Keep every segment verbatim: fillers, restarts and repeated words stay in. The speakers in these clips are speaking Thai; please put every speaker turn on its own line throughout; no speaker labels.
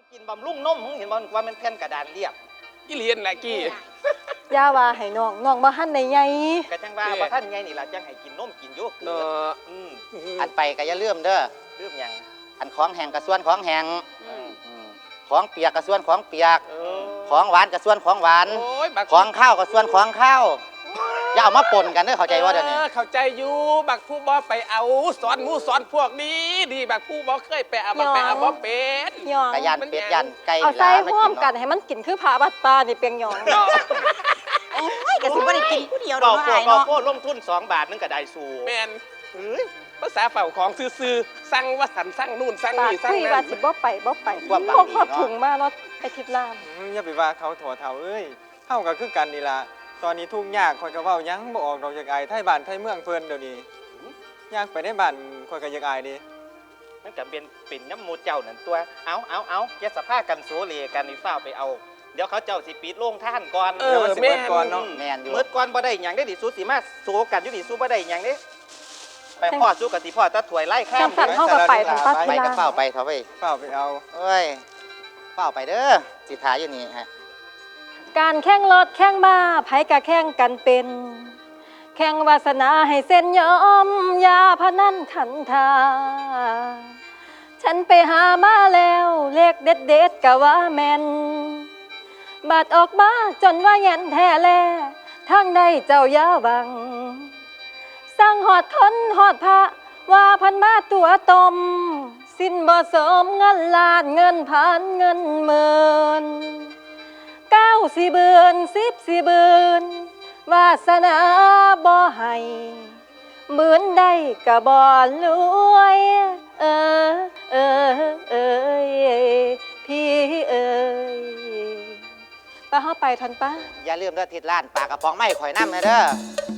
กินบำรุงนมมึงเห็นบ่ว่ามันแผ่นกระดานเรียบ
กี่เรียนแหละกี่
ย่าว่าให้น้องน้องบ่ทันได้ใหญ่
กะจังว่าบ่ทันใหญ่นี่ล่ะจังให้กินนมกินอยู่เนาะ
อืมอันไปก็อย่าลืมเด้อ
ลืมหยัง
อันของแห้งกับส่วนของแห้งของเปียกกับส่วนของเปียกของหวานกับส่วนของหวานของข้าวกับส่วนของข้าวอย่าเอามาปนกันเด้อเข้าใจว่าเดี๋ยวนี้
เข้าใจอยู่บักผู้บ่ไปเอาสอนมูสอนพวกนี้ดีบักผู้บ่เคยไปเอาบักไปเอาบ่เป็น
กะยันเป็ดยันไก่
เอาใส่ร่วมกันให้มันกินคือผาบัดปลานี่เปียงหยอง
โอ้ยก็สิบ่ได้กินผู้เดียวดอก
ไม้เนาะโคตรลงทุนสองบาทนึงก็ได้สู่
แม่นเอ้ยภาษาเฝ้าของซื่อๆสั่งว่าสันสั่งนู่นสั่งนี่สั่ง
นั่นว่าสิบ่ไปบ่ไปพวกพอถุงมาเนาะไปทิพย์ลาม
อย่าไปว่าเขาถอเฒ่าเอ้ยเฮาก็คือกันนี่ล่ะตอนนี้ทุกยากข่อยก็เว้ายังบ่ออกดอกจากอายไทบ้านไทเมืองเพิ่นเดี๋ยวนี้ยากไปในบ้านข่อยก็อยากอายดิ
มันก็เป็นเป็นน้ำมูเจ้านั่นตัวเอาเอาเอาแกสภากันโซเลกันนี่ฟ้าไปเอาเดี๋ยวเขาเจ้าสิปิดโรงท่านก่อน
เดี๋ยวมันสิเบิดก่อนเนาะ
แม่นอยู่
เบิดก่อนบ่ได้หยังได้ดิสู้สิมาโซกันอยู่ดิสู้บ่ได้หยังเด้ไปพ่อสู้กับสิพ่อตะถวยไล่ข้าม
จังสั่นเฮาก็ไปทางปัต
ไป
ตา
กับเฝ้าไปเถอะเว้ย
เฝ้าไปเอา
เอ้ยเฝ้าไปเด้อสิถ่ายอยู่นี่ฮะ
การแข่งรถแข่งม้าไผก็แข่งกันเป็นแข่งวาสนาให้เส้นยอมยาพนันขันทาฉันไปหามาแล้วเลขเด็ดเด็ดกะว่าแม่นบาดออกมาจนว่าเย็นแท้แลทางใดเจ้ายาวังสั่งหอดทนหอดพระว่าพันมาตัวตมสิ้นบ่สมเงินล้านเงินพันเงินหมื่นเก้าสี่เบือนสิบสี่เบือนวาสนาบ่ให้เหมือนได้กะบ่รวยเออเออเออพี่เอ๋ยป้าเข้าไปทันป้า
อย่าลืมเด้อทิศล้านปากกระป๋องไม้ข่อยน้ำนะเด้อ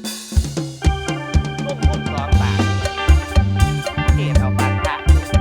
ร่วมทุนสองบาทเกตเอาบาทพระ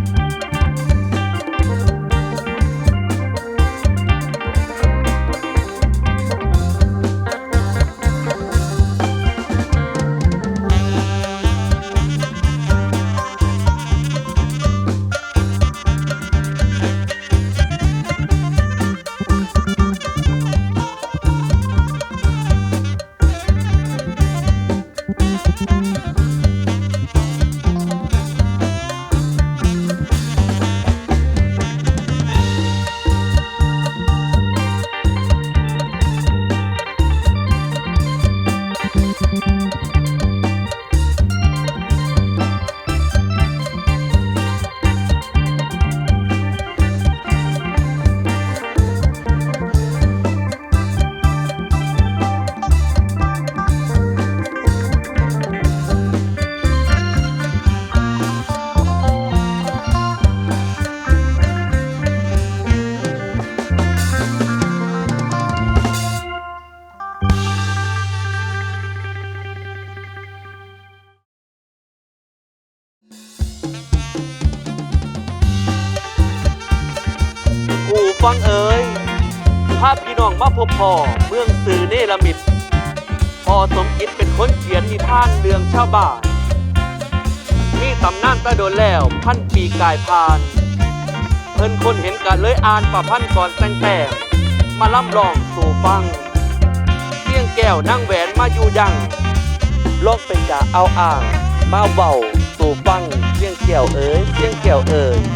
ฟังเอ๋ยภาพพี่น้องมาพบพ่อเมืองสื่อเนรมิตพ่อสมคิดเป็นคนเขียนนิทานเรื่องชาวบ้านมีตำนานตะโดนแล้วพันปีกายพานเพิ่นคนเห็นกันเลยอ่านประพันธ์ก่อนแต่งแต่มาล่ำลองสู่ฟังเสียงแก้วนั่งแหวนมาอยู่ยังลอกเป็นจ่าเอาอ่างมาเบาสู่ฟังเสียงแก้วเอ๋ยเสียงแก้วเอ๋ย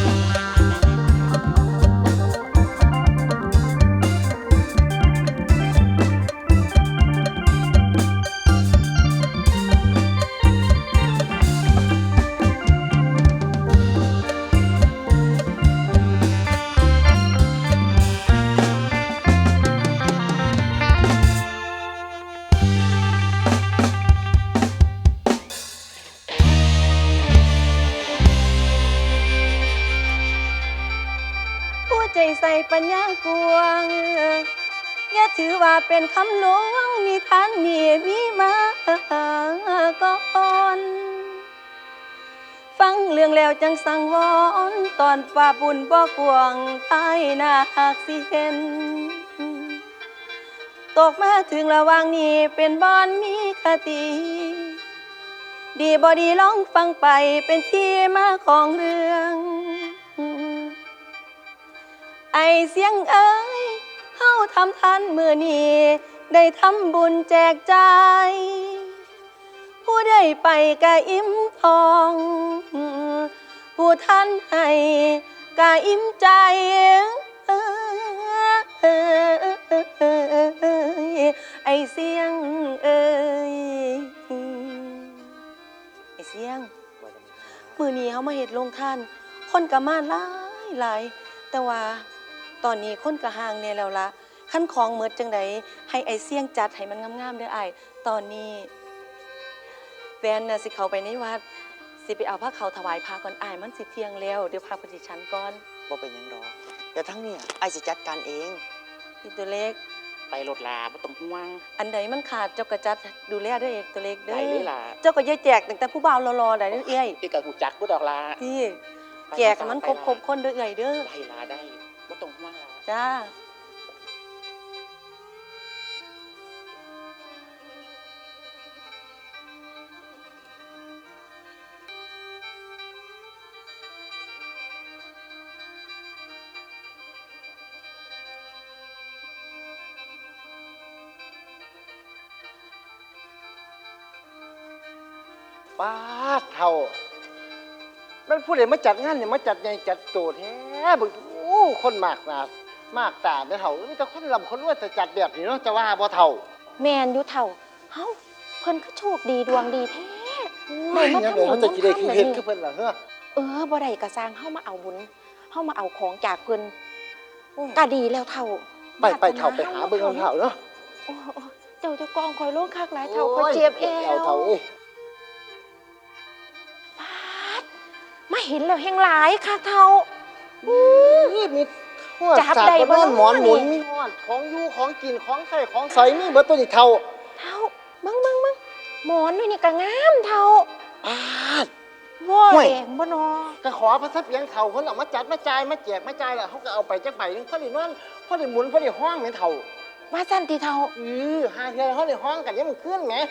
ใส่ปัญญากวงอย่าถือว่าเป็นคำหลวงนิทานนี่มีมาก่อนฟังเรื่องแล้วจังสังวรตอนฝ่าบุญบ่กวงภายนาหักสิเห็นตกมาถึงระหว่างนี้เป็นบอนมีคติดีบ่ดีลองฟังไปเป็นที่มาของเรื่องไอเสียงเอ้ยเฮาทำทันมือนี้ได้ทำบุญแจกใจาย ผู้ใดไปกะอิ่มทอง ผู้ท่านให้กะอิ่มใจไอเสียงเอ้ยไอเสียงมือนี้เขามาเฮ็ดลงท่านคนกะมาหลายหลายแต่ว่าตอนนี้คนกะห่างเนี่ยแล้วละขั้นของเมิดจังใดให้ไอเสียงจัดให้มันงามๆเด้อไอตอนนี้แฟนน่ะสิเขาไปในวัดสิไปเอาผ้าเขาวถวายพระก่อนอายมันสิเที่ยงแล้วเดี๋ยวพาไปสิชั้นก่อน
บ่เป็นหยังดอกแต่ทั้งเนี่ยไอ้ายสิจัดการเอง
อีตัวเล็ก
ไปรถลาบ่ต้องห่วง
อันใดมันขาดเจ้ากระจัดดูแลเด้อเอกตัวเล็กเด้
ได้เลยล่ะ
เจ้าก็อย่าแจกตั้งแต่ผู้บ่าวรอๆได้เด้อเอ้ย
อีกกับหูจักบ่ดอกลา
พี่แจกให้มันครบๆคนเด้อเอ้ยเด้อ
ได้ลาได้บ่ต้องห่วงลา
จ้า
ป้าดเท่ามันผู้ใดมาจัดงานเนี่ยมาจัดใหญ่จัดโตแท้เบึงโอ้คนมากหนามากตาแม่เท่ามีแต่คนลำคนรวยแต่จัดแบบนี้เนาะจะว่าบ่เท่า
แมนอยู่เท่าเฮ้าเพิ่นก็โชคดีดวงดีแท้
โอ้ยยังไงเขาจะกินได้คือเฮ็ดคือเพิ่นล่ะเฮ้อ
เออบ่ได้กระสร้างเฮามาเอาบุญเฮามาเอาของจากเพิ่นก็ดีแล้วเท่า
ไปไปเท่าไปหาเบิ่งเอาเท่าเนาะ
โอ้โอ้เจ้าเจะกองคอยโลกคักหลายเท่าคอยเจ็บเอว
เอาเท่าเอ้ย
ปาดมาเห็นแล้วแฮงหลายคักเท่า
นี่มีฮอด
จับ
สาก
ได้บ่
บ่นอนหมอนหมุน
นี่
มีฮอดของอยู่ของกินของใส่ของใส่มีเบิดตัวนี้เท่า
เท่าเบิ่งเบิ่งเบิ่งหมอนด้วยนี่ก็งามเท่า
ป้าด
ว้า
ห่วย
แดงบ่นอ
ก็ขอพระสัพเพียงเท่าเพิ่นเอามาจัดมาจ่ายมาแจกมาจ่ายแล้วเขาก็เอาไปจักใบหนึงพอได้นอนพอได้หมุนพอได้ห้องแม่นเท่า
ว่าซั่นติเท่า
อือหาเทื่อเขาได้ห้องกันยังมันขึ้นแหม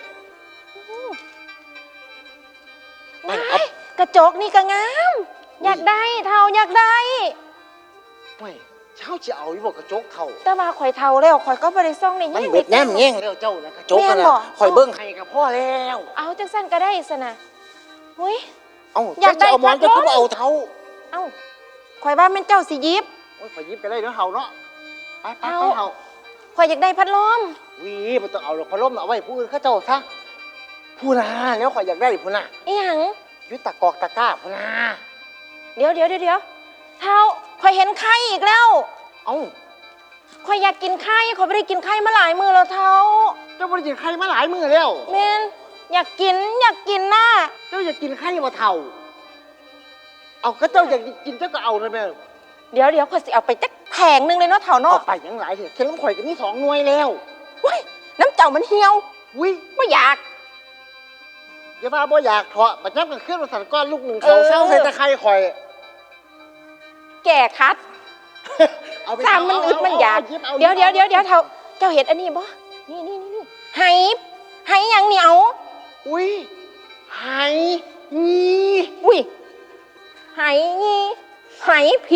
ว้ายกระจกนี่ก็งาม อยากได้เท่าอยากได้
เฮ้ยเช้าจะเอาอยู่บ่กระจกเท่า
แต่ว่าข่อยเท่าแล้วข่อยก็บ่ได้ซ่องใน
มัน
แง่
เบิดแน่มแง่งแล้วเจ้านะกระจก
แม่
กัน
นบ่
นะข่อยเบิ่งให้กับพ่อแล้ว
เอาจังซั่นก็ได้ซะนะหุ้ย
เอ้า
อยากได้
เจ้าจะเอาหมอน
พั
จะ
ดลม
คือบ่เอาเท่า
เอ้าข่อยว่าแม่นเจ้าสิหยิบ
โอ้ยข่อยหยิบไปได้เด้อเฮาเนาะไปไป
เอา
ไปเฮา
ข่อยอยากได้พัดลม
วีบ่ต้องเอาหรอกพัดลมน่ะเอาไว้ผู้อื่นเขาเจ้าซะผู้น่ะแล้วข่อยอยากได้ผู้น่ะ
อีหยัง
อยุตตะกอกตะกร้าผู้น่ะ
เดี๋ยวเดี๋ยวเดี๋ยวเดี๋ยวเท่าข่อยเห็นไข่อีกแล้ว
เอ้า
ข่อยอยากกินไข่ข่อยบ่ได้กินไข่มาหลายมื้อแล้วเท่า
เจ้าบ่ได้กินไข่มาหลายมื้อแล้ว
แม่นอยากกินอยากกินน่ะ
เจ้าอยากกินไข่บ่เท่าเอาก็เจ้าอยากกินเจ้าก็เอาเลยแม่
เดี๋ยวเดี๋ยวข่อยสิเอาไปจักแผงหนึงเลยเนาะเท่า
เอา
เนาะ
ไปยังหลายเถอะเข็มน้ำข่อยก็มีสองหน่วยแล้ว
เว้ยน้ำเจ้ามันเหี่ยว
วิ
บ่อยาก
อย่าว่าบ่อยากเถาะบัดยับกันเคลื่อนมาสั่นก้อนลูกหนึ่งเขา
เออ
เศร้าใส่ตะไคร้ข่อย
แก่คัด
เอาไป
ตามมันอึดมันอยาก
เอ
เดี๋ยวเดี๋ยวเดี๋ยวเดี๋ยวเท่าเจ้าเห็นอันนี้บ่นี่นี่นี่นี่ไหไหหยังเหนียว
อุ้ยไหงี่
อุ้ยไหงี้ไหผี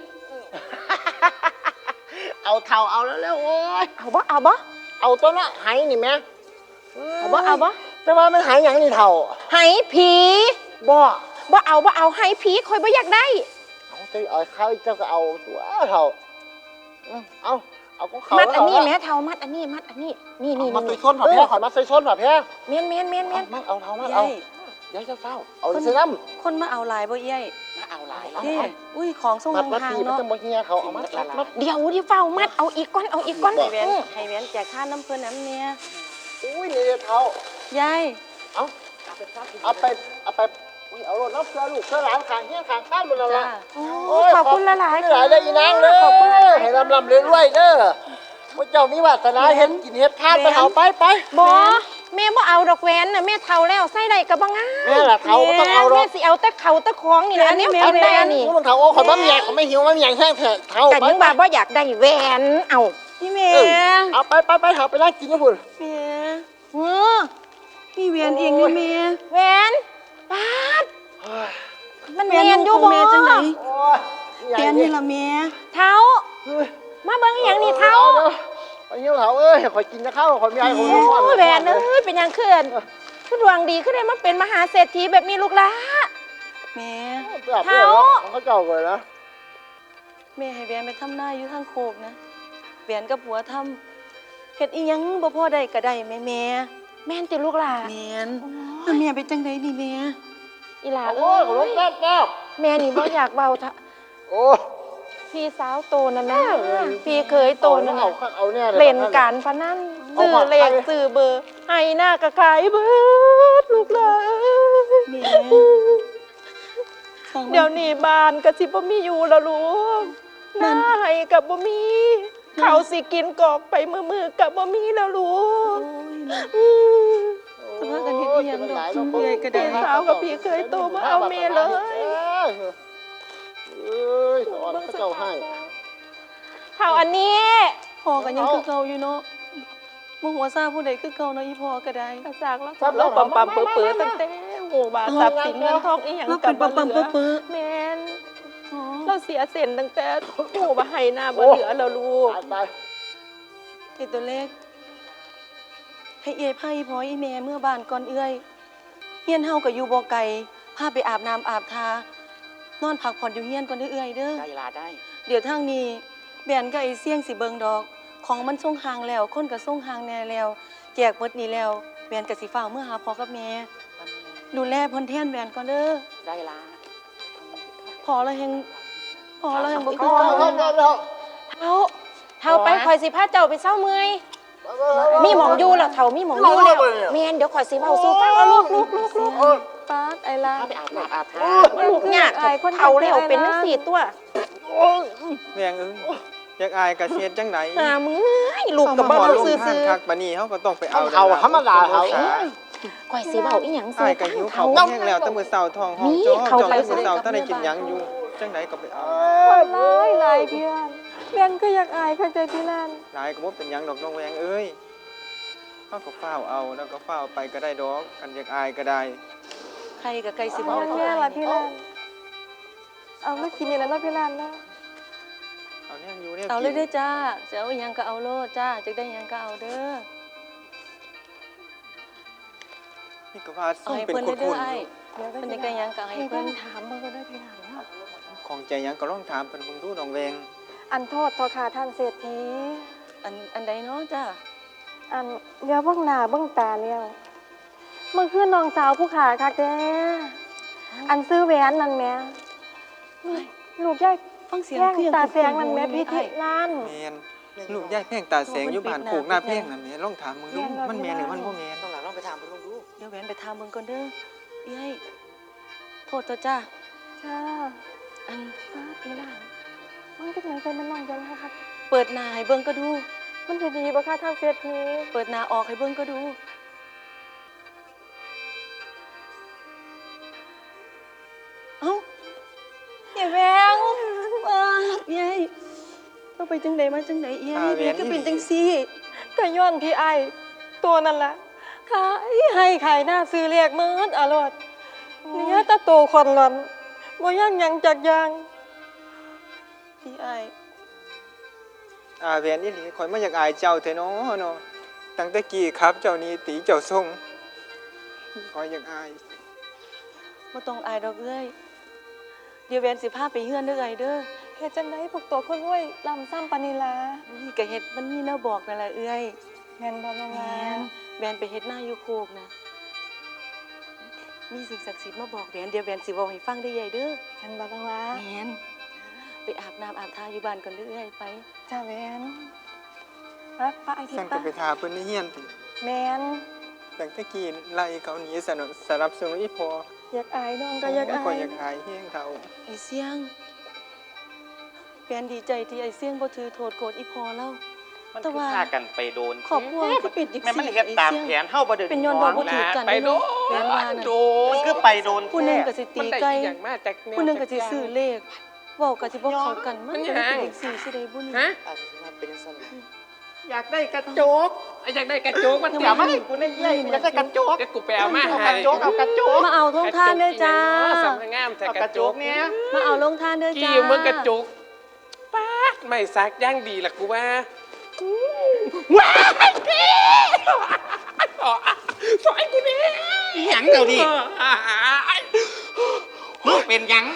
เอาเท่าเอาแล้วแล้วโอ้ย
เอาบ่เอาบ่
เอาตัวเนาะไหนี่แม่
เอาบ่เอาบ่
แต่ว่ามันไหหยังนี่เท่า
ไหผี
บ่
บ่เอาบ่เอาไหผีคอยบ่อยากได้
เอาเจ้าเอาเข้าเจ้าก็เอาตัวเท่าอืมเอาเอาของเขา
มัดอันนี้
เา
แม่เท่ามัดอันนี้มัดอันนี้นี่นี่
เอามาใส่
นี่
ส้นผ่าแพ้ขอยมาใส่ส้นผ่าแพ้
เมียนเมียนเมียนเมียน
เอาเอาเท่ามา
เอ้
เอา
ย
เดี๋ยวเจ้าเฝ้าเอาใส่น้ำ
คนมาเอาหลายบ่เอ้ย
มาเอาหลายเอา
นี่
เอา
อุ้ยของทรง
มัดมัด
ห่าง
ที
ๆ
มัน
เนาะ
จะบ่เฮียเขาเอามัดมัดมัด
เดี๋ยวเดี๋ยวเฝ้ามัดเอาอีกก้อนเอาอีกก้อน
ให้แหวน
อืม
ให้แหวนแจกค่าน้ำเพิ่นน้ำเนี่ย
อุ้ยนี่เท้าย
าย
เอาเอาไปเอาไปอุ้ยเอารถน้ำเสือลูกเสือหลานขางเฮี้ยขางข้านหมดแล้ว
จ้า
ล่ะ
โอ้ขอบคุณหลายๆ
หลายเลยอีนางเด้
ขอบคุณห
อ
ลายๆ
ให้ลำลำเรื่อยๆเด้อพระเจ้ามีวาสนาเห็นกินเห็ดทานไปเอาไปไป
บ่แม่บ่เอาดอกแหวนน่ะแม่เท่าแล้วใส่ได้ก็บ่งาม
แม่ล่ะเท้าก็ต้องเอาหรอ
แม่
ก
สิเอาแต่เขาแต่ของนี่นะอันนี้กินได้อันนี้
นี่มันเท้าโอ้ขอยบ้ามีใหญ่ขอยไม่หิวไม่มีใหญ่แห้งเถอะเท้า
แต่
ไป
ยังบ่าบ่อยากได้แหวนเอา
พี่เม
เอ
ย์
อเอาไปไปไปเอาไปนั่งกินนะพุ่น
เมย์
เออ
พี่เวียนเองนี่เมย์
แหวนปาด
เฮ้ย
มัน
แม
แม่
น
นอ
อยู่ ยู่
บ่
เมย์จังไหน
โอ้ยใหญ่
แก
ดิ
นี่ละเมย์
เท้า
เฮ้ย
มาเบิ่งอหย่างนี้เท้า
ไอ้เหี้ยเถาเอ้ยข่อยกินนะข้าวข่อยมีไอ้ข่อย
โอ้
มีข้าว
แหวนเอ้ยเป็นหยังขึ้นคือดวงดีขึ้นได้มาเป็นมหาเศรษฐีแบบมีลูกหลาน
แม่
เท้าของเขาเจ้าเลยนะ
แม่ให้แหวนไปทำหน้าอยู่ทางโคกนะแหวนกับผัวทำเฮ็ดอีหยังบ่พอได้ก็ได้แม่แม่
แม่นติลูกหลาน
แม่นแล้วแม่เป็นจังไดนี่แม่
อีหลา
โอ้
เอ้
ยขอร
ย
ถแป๊บแป๊บ
แม่นี่บ่อยากเบาทะ
โอ้
พี่สาวโตนั่นนะพี่เคยโตนั่น
เอา
น่ะ
เอาเนี่ย
เล่นการพนันซื้อเลขซื้อเบอร์ให้หน้าก็ขายเบิดลูกหลาน
แม่ฟัง
เดี๋ยวนี้บ้านก็สิบ่มีอยู่แล้วลูกหน้าให้กับบ่มีเขาวสิกินกอกไปมือๆกับบ่มีแล้วลูก อืม
สภาพกันเฮ็ดอีหยังดอกซุ่มเอื้อยก็ได้
พี่สาวกับพี่เคยโตมาเอาเมียเลย
เอ้ยสอนเขาเจ้าให้
เท่าอันนี้
พ่อก็ยังคือเก่าอยู่เนาะบ่หัวซาผู้ใดคือเก่าเนาะอีพ่อก็ได้
กระซากแล้วเราปั๊มปั๊มเปื้อเปื้อตั้งแต่หูบาทรัพย์สินเงินทองอีหยัง
เรา
กั
เป็
บ
น
บ่
ปั๊ม
เหลือ
ๆเปื้อ
แม่น
ๆอ๋อ
เราเสียเส้นตั้งแต่หูบ่ให้หน้าบ่เหลือแล้วลูก
ตายตาย
ไอ้ตัวเล็ก ให้เอ้ยพาอีพ่ออีแม่เมื่อบ้านก่อนเอื้อยเฮียนเฮาก็อยู่บ่ไกลพาไปอาบน้ำอาบทานอนพักผ่อนอยู่เฮียนก่อนเด้อเอื้อยเด้อ
ได้ลาได้
เดี๋ยวทางนี้แบนก็ไอ้เสี่ยงสิเบิงดอก ของมันส่งห่างแล้ว คนก็ส่งห่างแน่แล้ว แจกหมดนี้แล้วแบนก็สิฟ้าวเมื่อหาพ่อกับแม่ ดูแลเพิ่นแทนแบนก่อนเด้อ
ได้ลา
พอแล้วแฮงพอแล้วแฮงบ่
เอา
คือ
เอา
เก่า
เอาเอา
เท่าเท่าไปข่อยสิพาเจ้าไปเศร้าเมื่อยมีหมองอยู่แล้วเท่ามีหมองอยู่แล้วแม่นเดี๋ยวข่อยสิเว้าสู่ฟังเอาลูกลูกลูกลูก
ป๊าดไอ้ล่ะ
ถ้าไปอาบน้ำอาบท่า
ลูกยากเท่าแล้วเป็นจังซี่ตัว
แม่งเอ้ยอยากอายกะเสียดจังไหน
หามือลูกกับบ้านเราซื้อ
ทางคักปานนี้เฮาก็ต้องไปเอา
เอาธรรมดาเขา
ๆข่อยสิเว้าอีหยังซื้
อาย
อ
ก็หิว
เขา
เขาวแห้งแล้วแต่มื้อเช้าท้องห้อง
นี่
จ้อ
เขา
จ้อ
ไป
แต่มื้อเช้าถ้าได้กินหยังอยู่จังไดก็ไปเอา
หลายหลายเพื่อนเพื่อนก็อยากอายคักใจพี่นั่น
หลายก็บ่เป็นหยังดอกน้องแวงเอ้ยเฮาก็ฟ้าวเอาแล้วก็ฟ้าวไปก็ได้ดอกกันอยากอายก็ได้
ใครกับไก่สิบ่
เอา
เขา
แม่
อาย
ละพี่ลานเอามากินนี่แล้วเนาะพี่ลานเนาะ
เอาเนี่ยอยู่เนี่ย
เอาเลย
กิน
เด้อจ้าจะเอาอิหยังก็เอาโลดจ้าจะได้อิหยังก็เอาเด้อ
นี่ก็ว่า
เอา
ส่ง
ให้
เป็น
เพิ่น
ค
เด้อน
ๆ
ไอ้
อยู่
เดี๋ยวก็
เพิ่น
จะ
จะได้อิหยังก็เอาให้
ให้
เพิ่
เพิ่
น
นถามเบิ่งก็ได้พี่ลานเนาะ
ของใจหยังก็ลองถามเพิ่นเบิ่งดูน้องแวง
อันโทษทอขาท่านเศรษฐี
อันอันใดเนาะจ้า
อันเดี๋ยวเบิ่งหน้าเบิ่งตาแล้วเมื่อคืนน้องสาวผู้ขาคักแท้อันซื้อแหวนนั่นแหม่ลูกยาย
ฟังเสียง
แย่ง
คือยัง
ตาแสงนั่นแหม่
คุ้
พี่
ๆ
ทิ
ไอ้
ล้าน
แม่นลูกยายแพงตาแสงอยู่บ้านโคกหน้าแพงนั่นแหม่ลองถามมึงดูมันแม่นหรือมันบ่แม่น
ต้องหลังต้องไปถามเพิ่นลองดู
เดี๋ยวแหวนไปถามเบิ่งก่อนเด้อเอ้ยโทษเถอะจ้า
จ้า
อัน
ป้าพี่ลานมันเป็นหยังไงมันน้องจังนะคะ
เปิดหน้าให้เบิ่งก็ดู
มันจะดีบ่คะท่านเศรษฐี
เปิดหน้าออกให้เบิ่งก็ดูเอ้าอย่าแวงอ้ายายต้องไปจังใดมาจังใดเอ้ยแม่ก็เป็นจังซี่
ก็ย้อนพี่ไอายตัวนั่นล่ะขายให้ขายหน้าซื้อเรียกมืดอร่อยเนี่ยตะโตคนหลอนบ่ย่างหยังจากอยาง
พี่อ้าย
อาแหวนอีหลีข่อยมาอยากอายเจ้าแท้เนาะเนาะตั้งแต่กี้ครับเจ้านี้ตีเจ้าทรงข่อยอยากอาย
บ่ต้องอายดอกเอ้ยเดี๋ยวแหวนสิพาไปเฮือนเด้อเอ้ยเด้อ
เฮ็ดจังไดพวกตัวคนรวยลำซ้ำปานนีลา
นี่ก็เฮ็ดมันมีแนวบอกนั่นแหละเอ้ย
แม่นบ่น้อง
แม่
ลาน
แหวนไปเฮ็ดหน้าอยู่โคกนะมีสิ่งศักดิ์สิทธิ์มาบอกแหวนเดี๋ยวแหวนสิเว้าให้ฟังได้อใหญ่เด้อ
แม่นบ่น้องลา
แม่นไปอาบน้ำอาบท่าอยู่บ้านก่อนเด้อเอ้ยไป
จ้าแม่นรักป้าไอ้ที่
สั่นก็
ป้า
ไปทาเพิ่นในเฮียนติ
แม่น
ตั้งแต่กี้ไล่เขาหนีสนับสนับสนุนอีพอ
อยากอายน้องก็อยากอา
ข่อย
ย
อยากอายแฮงเฒ่า
ไอ้เสียงแหวนดีใจที่ไอ้เสียงบ่ถือโทษโกรธอีพอเล่า
มัน
แต่
คือ
ว่า
พากันไปโดน
ครอบครัวก็เป็นจัง
แม่มัน
ซี่
เฮ็ดตาม
ไอ้
แผ
เสียง
นเฮาบ่ได้
เป็นย้อนว่าบ่ถือกัน
ไปโด
แหวนว่าน่ะ
โด
มันคือไปโดน
ผู้หนึงก็สิตี
มันได้
ไก่
อีหยังมาจากแนว
ผู้หนึงก็สิซื้อเลขเว้าก็สิบ่เข้ากันมัน
มันห
ก็
ยัง
เป็นเลขสี่สิได้บุญ
ฮะ
อาจจะว่าเป็นสั่น
อยากได้กระโจก
ไอ้อยากได้กระโจกมัน
เดี๋ยวมาให้กูได้เย้ยอยากได้กระโจก
เดี๋ยวกูไปเอามา
เอา
ให้
กระโจกเอากระโจก
มาเอาทงทานเด้อจ้า
สำนักงามแต่
เอา
ก
ก
ระ
ระ
โจ
โจ
ก
กเนี่ย
มาเอาลงทานเด้อจ้า
กี่มึงกระโจกป้าไม่ซักย่างดีล่ะกูว่าว้ายพี่สอยกูนี่
อีหยังเดี๋ยวดิมึงเป็นหยัง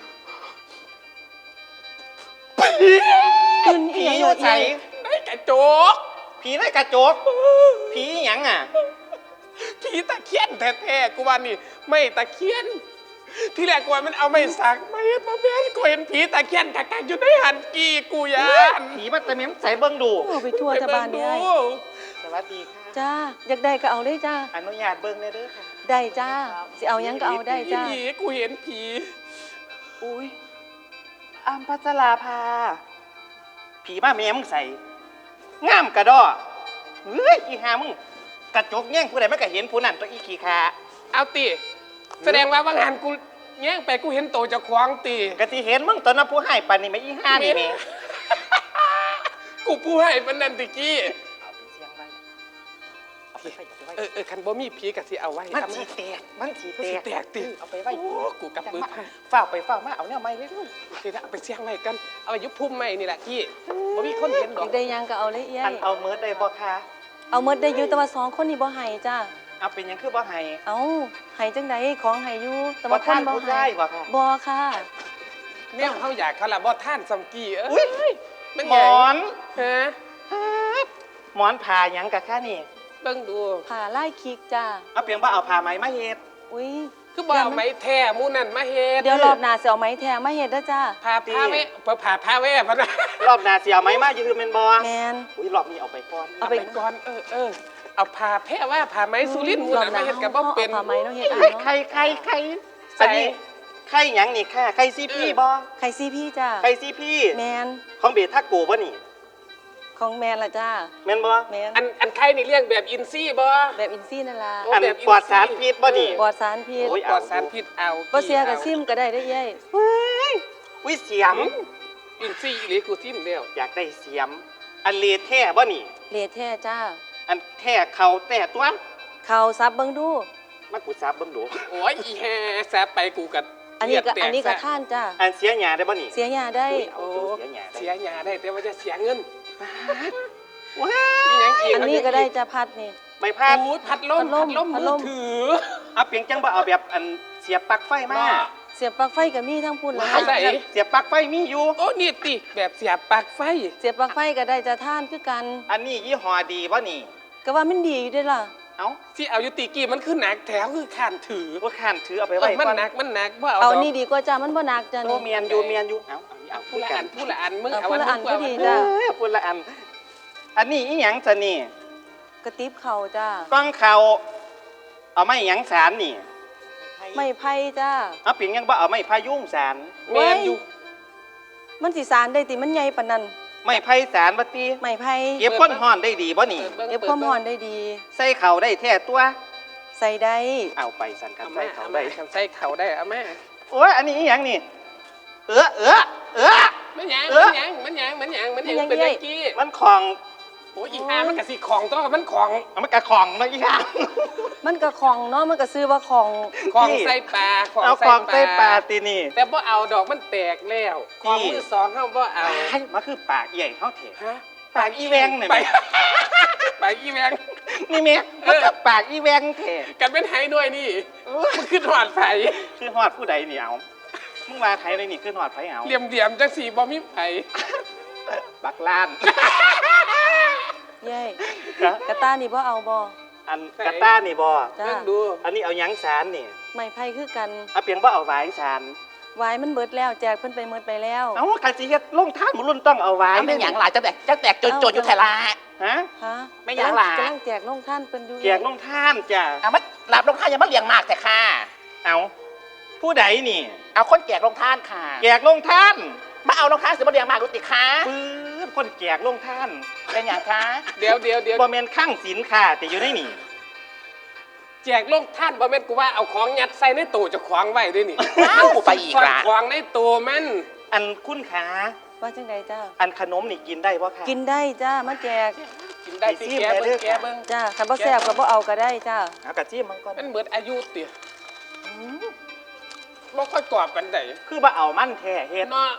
ขึ้น
ผี
อีหยัง
อยู่ใส
ได้กระโจก
ผีในกระจกผีอีหยังอ่ะ
ผีตะเคียนแท้ๆกูว่านี่ไม่ตะเคียน ที่แรกกูว่ามันเอาไม่สักไม่มาแม่นกูเห็นผีตะเคียนกักๆอยู่ในหันกีกูยาน
ผีมันตะเม้มใส่เบิ่งดู
เอาไปทั่วทบานเนี่ย
สวัสดีค่ะ
จ้าอยากได้ก็เอาเลยจ้า
อนุญาตเบิ่งเลยเด้อค่ะ
ได้จ้าสิเอาหยังก็เอาได้จ้า
ผีกูเห็นผี
อุ้ยอัมพัชราภาผีมาแม่มึงใส่งามกระดอเฮ้ยอีหามึงกระจกแย่งผู้ใดมันก็เห็นผู้นั้นตัวอีขี้ขา
เอาตีแสดงว่าว่างานกูแย่งไปกูเห็นโตเจะคว้าของตี
กะที่เห็นมึงตอนนั้นผู้ให้ปันนี่ไม่อีห้านี่แม่
กูผู้ให้มันนันติกี้
เอาไปเสียงไว้เอาไปไว้เอาไป
เอ
ไว้
อเออคันบ่มีผีกะสิเอาไว้
มัน
ทำ
สีแตกมันสี
มัน
แต
สิ
ก
แตกติ
เอาไปไว้
โอ้กูกับปืนให้
ฝ้าวไปฝ้าวมาเอาเนี่ยไม่เลยลูก
โอเคนะเอาไปเสี่ยงไว้กันเอาไปยุบพุ่มไม้นี่แหละกี้บ่มีคนเห็นด
อ
อก
ยากได้หยังก็เอาเลยเอี้ย
อันเอาเมิร์ดได้บ่คะ
เอาหมดได้อยู่แต่ว่าสองคนนี่บ่ให้จ้า
เอาเป็นหยังคือบ่ให้
เอาให้จังไดของให้อยู่แต่
บ่
ว่าค
ท่าน
นบ่
ผู้
ให้
ได้บ่ค่ะ
บ่ค่ะ
แนวเขาอยากเขาละบ่ท่านซัมกี้เอ้
อุ้ย
ยมัน
หม
ไง
อน
ฮะ
หมอนผ่าหยังกะค่ะนี่
เบิ่งดู
ผ่าไล่คิกจ้า
เอาเพียงว่าเอาผ่าไหมมาเฮ็ด
อุ้ย
คือบ่เอาไม้แท้หมู่นั่นมาเฮ็ด
เดี๋ยวรอบหน้าสิเอาไม้แท้มาเฮ็ดเด้อจ้า
พาพาไว้เพื่อพาพาไว้พะนะ
รอบหน้าสิเอาไหมมายืมเป็นบ่
แมน
อุ้ยรอบนี้เอาไปก่อน
เอา
เอา
ไป
ไปก่อนเออเออเอาพาแพ้ว่าพาไม้สุรินทร์หมู่นั่นมาเฮ็ดกับบ่เป็น
อาผ้าไหมเนาะเฮ็ดเอา
เฮ้ย
เนาะ
ใครใครใคร
ใส่
อันนี้ใครหยังนี่ค่ะใครซีพี่บ่
ไข่ซีพี่จ้า
ใครซีพี่
แมน
ของเบทักโกบ่นี่
ของแมนล่ะจ้า
แม่นบ่
แมน
อันอันใครนี่เลี้ยงแบบอินซี่บ่
แบบอินซี่นั่นล่ะ
โอ้
อัน
แบบอินซี
ปลอดสารพิษบ่นี่
ปลอดสารพิษ
โอ้ย
ปลอดสารพิษเอา
บ่เสียกับซิมก็ได้ได้อเย้ย
อุ้ยเสียม
อินซี่อีหลีกูทิ่มแล้ว
อยากได้เสียม อันเลแท้บ่นี่
เลทแท้จ้า
อันแท้เขาแต่ตัว
เขาซับเบิ่งดู
มากูซับเบิ่งดู
โอ้ยอีแฮแซบไปกูกั
อันนี้ก็
เลืดแต
อันนี้ก็
ซะ
ท่านจ้า
อันเสียหยาได้บ่นี่
เสียยาได้
อุ้ยเอา
โอ้
ตัวเสียหยาได้
เสียหยาได้แต่ว่าจะเสียเงิน
ว้า
อีหยังอีก
อันนี้ก็ได้จ้าพัดนี่
ไม่พลาด
โอ้ยพัดลม
พั
พั
ด
ด
ล
ล
ม
ม
พัด
มื
ล
อ
ม
ถือ
เอาเพียงจังบ่เอาแบบอันเสียบปลั๊กไฟมา
มา
เสียบปลั๊กไฟก็มีทั้งพุ่นแล้ว
ว้าย
จ้ะ
ไหน
เสียบปลั๊กไฟมีอยู่
โอ้นี่ติแบบเสียบปลั๊กไฟ
เสียบปลั๊กไฟก็ได้จ้าท่านคือกัน
อันนี้ยี่ห้อดีบ่นี่
ก็ว่ามันดีอยู่เด้อล่ะ
เอ้า
ที่เอาอยุติกี้มันคือหนักแถวคือขานถือ
ว่าข้านถือเอาไป
เอ
ไว้
อมัน
ก่อน
หนักมันหนักว่าเอา
เอา
ดอก
นี่ดีกว่าจ้ามันบ่หนักจ้า
โน
นี่
เมียนอยู่เมียนอยู่ เอ้าเอาเอา
ผู้
พูด
ละ
กั
อั
น
นผู้ละอันมึง
เอา
เอา
ผู้ละอัน
มึง
ก็
เา
ดี
อัน
จ้ะ
เอ้ยพูดละอัน อันนี้อีหยังจะนี่
กระติบเข่าจ้าก
ล้องเขาเอาไม้หยังสารนี่
ไม่ไผ่จ้า
เอาเพียงยังบ่เอาไม้พายุงสาร
แมนอยู่
มันสิสารได้ติมันใหญ่ปานนั้น
ไม้ไผ่สารบ่ติ
ไม่ไผ่
เก็บก้นห่อนได้ดีบ่นี่
บิ่ง
เก็บความร้อนได้ดี
ใส่เข่าได้แท้ตัว
ใส่ได้
เอาไปสั่นกัน
เอา
ใส่
มา
เข่า
เอา
ได้
มาใส่เข่าได้เอามา
โอ้ยอันนี้อีหยังนี่ เออเออเออ
มันหยัง
เอ
มั
อ
นหยังมันหยังมันหยังมันหยังเป็นยังกี้
มันของ
โอ้ยอีหามันกะสิของตัวมันของ
เอามันกระของเนาะอีหยัง
มันก็ของเนาะมันก็ซื้อว่าของ
ของใส่ปลาของ
เอา
ใส่
ของ
ป
ใส่ปลา
ลา
ตีนี่
แต่บ่เอาดอกมันแตกแล้วของมือสองเฮาบ่เอา
ให้มาคือปากใหญ่เท่าเถะ
ฮะ
ปากอีแวงเนี่ย
ไปไปอีแวง
นี่เมียมันกับปากอีแวงเถะ
กันเป็นไห้ด้วยนี่มันขึ้นหอดไผ
คือหอดผู้ใดนี่เอามึงมาไทยเลยนี่คือหอดไผเอา
เหลี่ยมเหลี่ยมๆจังสีบ่มีไผ
บักล้าน
เย้
ครับ
กระตานี่บ่เอาบ่
อันกาต้านี่บอ
จ้า
เบิ่งดู
อันนี้เอาหยังสารนี่
ไม่ไผ่คือกัน
เอาเพียงว่าเอาไว้สาร
วายมันเบิดแล้วแจกเพิ่นไปเมิดไปแล้ว
เอากะสิเฮ็ดลงท่านหมุรุ่นต้องเอาไว้
เอาไม่หยังหลายจะแตกจะแตกจนจนอยู่ไทยละ
ฮะ
ฮะ
ไม่อยากหลา
กำลังแจกลงท่านเพิ่นอยู่
แจกลงท่านจ้ะ
เอามาหลับลงท่านอย่ามาเลี้ยงมากแต่ค่ะ
เอาผู้ใดนี่
เอาคนแจกลงท่านค่ะ
แจกลงท่าน
มาเอาลงท่านสิมาเลี้ยงมากรู้ติค่ะ
ปื้ดคนแจกลงท่าน
เป็นอย่างคะ
เดี๋ยวเดี๋ยวเดี๋ยว
บ่แม่นข้างศีลค่ะแต่อยู่ในนี่
แจกลงท่านบ่แม่นกูว่าเอาของยัดใส่ในตู้จะขวางไว้ด้วยนี่
ว้าวกูไปอีกละ
ขวางในตู้มัน
อันคุณขา
ว่าจังไดจ้า
อันขนมนี่กินได้บ่ค่ะ
กินได้จ้ามาแจก
กินได้สิแกเบิ่งแกเบิ่ง
จ้าคันบ่แซ่บก็บ่เอาก็ได้จ้า
เอากะจิ้มมันก่อน
มันเหมือนอายุติบ่ค่อยกรอบกันได้
คือบ่เอามันแท้เฮ็ด
เนาะ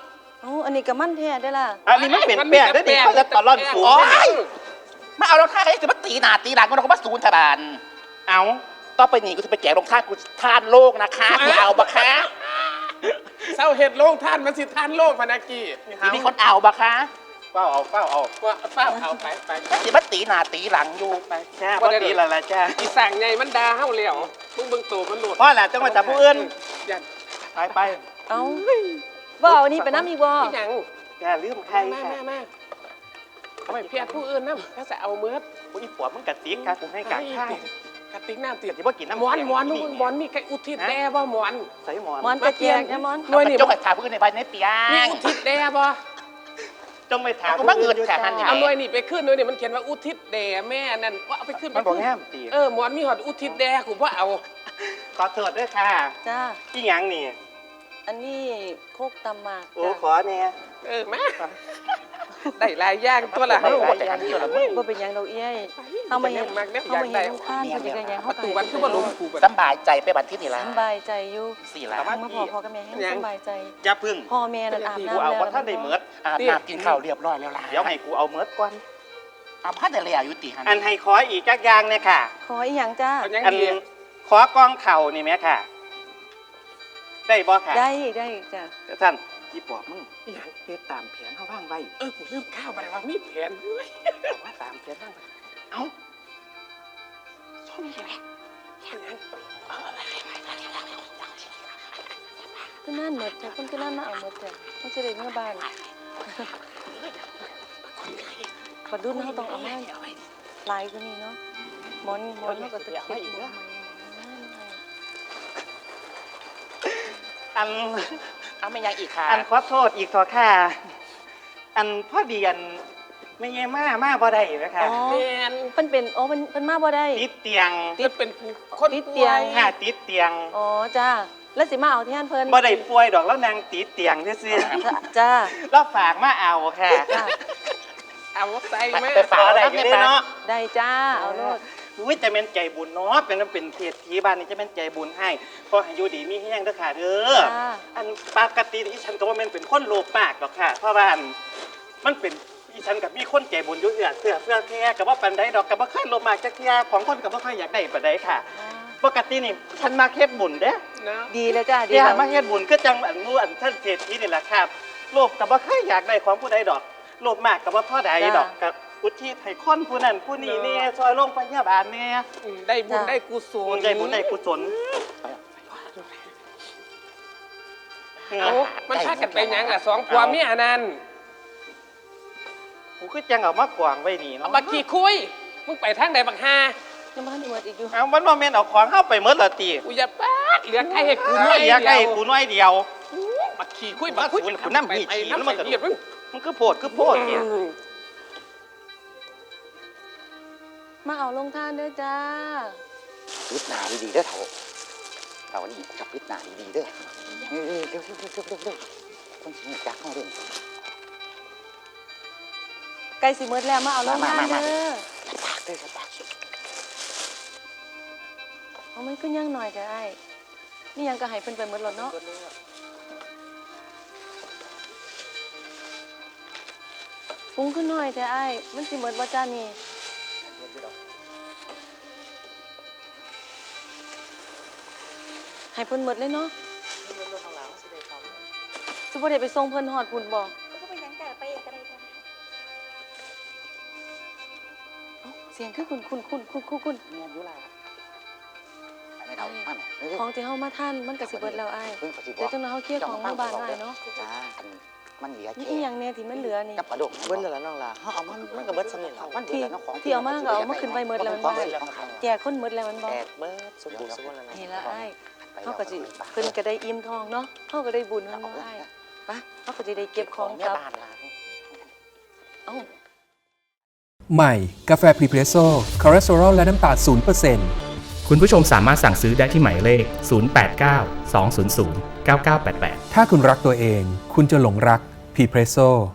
เอาอันนี้ก็มันแท้ได้อล่ะ
อันนี้มันเป็นแป้งได้ดิเขาจะตะล่อนสูง
โอ้
ได้
ย
ดิ
มาเอารองเท้าให้สิมาตีหน้าตีหลังมันก็มาศูนย์ทบาน
เอา
ต่อไปนี้กูจะไปแจกรองเท้ากูทานโลกนะคะกูเอาบะคะ
เศร้าเห็ดโลงท่านมันสิท่านโลกพนักกี้
สิมีคนเอาบะคะ
เฝ้าเอาเฝ้าเอา
ว่าเฝ้าเอาไปไป
สิมาตีหน้าตีหลังอยู่
ไปจ้าพอดีและละจ้า
อีสั่งไงมันดาเฮาแล้วมึงเบิ่งโตมันโหลด
เพราะแหละจังหวัดจับผู้อื่น
อย่า
ไปไป
เอาบ่เอาอันนี้ไปน้ำอีกบ่
อีหยัง
อย่าลืมใคร
มา
ค่ะ
มามาเอาไปเพียรผู้อื่นนะถ้าจะเอาเมือด
ผู้อีปวดมึงกัดติ๊กค่ะกูให้กัดข้าง
กระติกน้ำติด
อย่าว่ากินน้ำ
หมอน
แข็ง
หมอน
นี่
มึงหมอนมีใครอุทิศแด่บ่หมอน
ใส่หมอน
หมอนกระเจียกนะหมอน
หน่วยนี่
ยกไอ้ขาพื้นในใบในเปีย
มี
ง
อุทิศแด่บ่
จงไปถาม
กูมาเงินแค่นั้นนี่
เอาหน่วยนี่ไปขึ้นหน่วยนี่มันเขียนว่าอุทิศแด่แม่นั่นว่าเอาไปขึ้น
มันบอก
ขึ้
แง่มตี
เออหมอนมีหอดอุทิศแด่กูว่าเอา
ขอโทษด้วยค่ะ
จ้า
ที่หยังนี่
อันนี้โคกตำหมาก
โอ้
จ้า
ขอเนี่ย
เออมาได้หลายอย่างตัวละ
ได้
เฮา
หลายอย่างตัวละมึง
บ่เป็นหยังดอกเอ้ยเฮามาเห็น
มากเนี่ย
เฮา
อยาก
มา
ได้
เห็นลูกค้านเพิ่นอยากได้หยัง
ป
เฮา
ระตูวันคือบ่ลงกูบัด
สบายใจไปบัดที่นี่ละ
สำบายใจอยู่
สี่ละ
เมื่อพ่อพ่อกับแม่ให้สำบายใจ
อย่าพึ่ง
พ่อแม่นั่นอาบ
กู
น้ำ
เอา
แล้ว
ว่าท่านได้เมิด
อาบน้ำกินข้าวเรียบร้อยแล้วล่ะ
เดี๋ยวให้กูเอาเมิดก่อน
เอาพัดแต่เลยอายุติหัน
อันให้ขออีกจักอย่างเนี่ยค่ะ
ขออีหยังจ้า
เอายัง
อัน
ดี
ขอกองเข่านี่ไหมค่ะ ได้บ่ค่ะ
ได้ได้จ้า
ท่านที่ปอบมึงเฮ็ดตามแผนเขาว่างไว้
เออกูลืมข้าวไปว่ามีแผนเว้ย
เอาว่าตามแผนว่างไว้เอ้าส้มนี่แหละ
คือนั่นหมดจ้ะคนคือนั่นมาเอาหมดจ้ะมันจะได้เมื่อบ้านขอดุนเขาต้องเอาให้ลายกว่านี้เนาะหมอนหมอนเขาก็ตะเกียบหมอน
อัน
เอาไม่ยังอีกค่ะ
อันขอโทษอีกขอค่ะ อันพ่อเดียนไม่เย่มามาบ่ได้ไหมคะ
อ๋อ
แผน
เพิ่นเป็นอ๋อเพิ่นเพิ่นมาบ่ได้
ติดเตียง
จะเป็นผู้คน
ติดเตียง
ค่ะ ติดเตียง
อ๋อจ้าแล้วสิมาเอาแทนเพิ่น
บ่ได้ป่วยดอกแล้วนางติดเตียงซื่อ
จ้า
ๆแล้วฝากมาเอาค่ะ
จ้า
เอาใส่แม่
ไปฝาก
ขอได้
แล้ว
อยู่
ไม่
เด้
ไป
เนาะ
ได้จ้าเอาโลด
อุ้ยจะเป็นใจบุญเนาะเป็นเป็นเศรษฐีบ้านนี้จะเป็นใจบุญให้เพราะอายุดีมีแห้งเด้อค่ะเด้อ
จ้า
อันปกติที่ฉันก็ว่ามันเป็นคนโลภมากหรอกค่ะ เพราะว่าอันมันเป็นอีฉันกับมีคนใจบุญอยู่เอื้อเสื้อเพื่อแท้กับว่าปันใดดอกกับว่าค่อยโลภมากจักเที่ยของคนกับว่าค่อยอยากได้ปันใดค่ะ ปกตินี่ฉันมาเฮ็ดบุญเด้
นะ
ดีแล้วจ้าดี
เดี๋ยว
แล้ว
มาเฮ็ดบุญก็จังอันนู้อันท่านเศรษฐีนี่แหละครับโลภกับว่าค่อยอยากได้ของผู้ใดดอกโลภมากกับว่าพ่อใดดอกกับอุทิศให้คนผู้นั้นผู้นี้เนี่ยซอยโรงพยาบาลเนี่ย
อืมได้บุญได้กุศล
ได้บุญได้กุศล
เอามันพากันไปหยังล่ะสองผัวเมียนั่น
กูคือจังเอามากวางไว้นี่
เอา
เนาะ
มาขี่คุยมึงไปทางใดบักฮา
ยังบ่ทันได้หมดอีกอยู่
เอามันบ่แม่นเอาของเข้าไปเมิดละตี
กูอย่าปาดเหลือใครให้กูหน่
น้
อ
อย ย
เดี
อยากให้
ยว
กูน้อยเดียว
มาขี่คุยมาคุย
กูกูนั่งมีขี่แล้วมันกระโดด
มึง
มันคือโพดคือโพดเนี่ย
มาเอาลงทานเด้อจ้า
พิจารณาดีๆเด้อเถ่าเถ่านี่กับพิจารณาดีๆเด้อเร็วๆเร็วๆเร็วๆเร็วๆเร็วๆคนสิจักเข้าเรื่อง
ใกล้สิหมดแล้วมาเอาลงทาน
มามามา
เด้อ
ปากเด้อปาก
เอามันขึ้นยังหน่อยจ้ะไอ้นี่ยังก็ให้เพิ่นไปหมดแล้วเนาะปรุงขึ้นหน่อยจ้ะไอ้มันสิหมดบ่จ้านี่ให้เพิ่นหมดเลยเนาะสิบ่ได้ไปส่งเพิ่นฮอดพุ่นบ่
ก็ไปยังแต่ไปเองก็ได้จ้ะ
เอ้าเสียงคือคุณคุณคุณคุณคุณคุณ
เมียอยู่ล่ะไม่เถ่ามันเร็ว
ของที่เฮามาท่านมันก็สิเบิดแล้วไอ้
ๆเพิ่งปฏิบั
เดี๋ยว
ติ
จังนั้นเฮาเคลียร์ของมาบ้านได้เนาะ
จ้าอันมันเหลือ
นี่
แค่
อีหยังแน่ที่มันเหลือนี่
กับกระดก
เบิ้ลแล้วน้องล่ะเขาเอามันมันก็เบิ้ลสนิทแล้ว
มันเหลือแล้วของ
ที่เอามาก็เอามาขึ้นไปหมดแล้วมัน
ข
บ่
องเล่นของขาย
แจกคนหมดแล้วมันบ่
แตกเบิ้ลสมบูรณ์สมบูรณ์แล้วนะ
นี่ละไอ้เฮาก็สิเพิ่นก็ได้อิ่มทองเนาะเฮาก็ได้บุญมันบ่ไอ้ปะเฮาก็สิได้เก็บของ
แม่
กลับ
บ้านล่ะ
เอ้า
ใหม่ กาแฟพรีเพรสโซ่คอเลสเตอรอลและน้ำตาล ศูนย์เปอร์เซ็นต์
คุณผู้ชมสามารถสั่งซื้อได้ที่หมายเลข ศูนย์ แปด เก้า สอง ศูนย์ ศูนย์ เก้า เก้า แปด แปด
ถ้าคุณรักตัวเอง คุณจะหลงรักพรีเพรสโซ่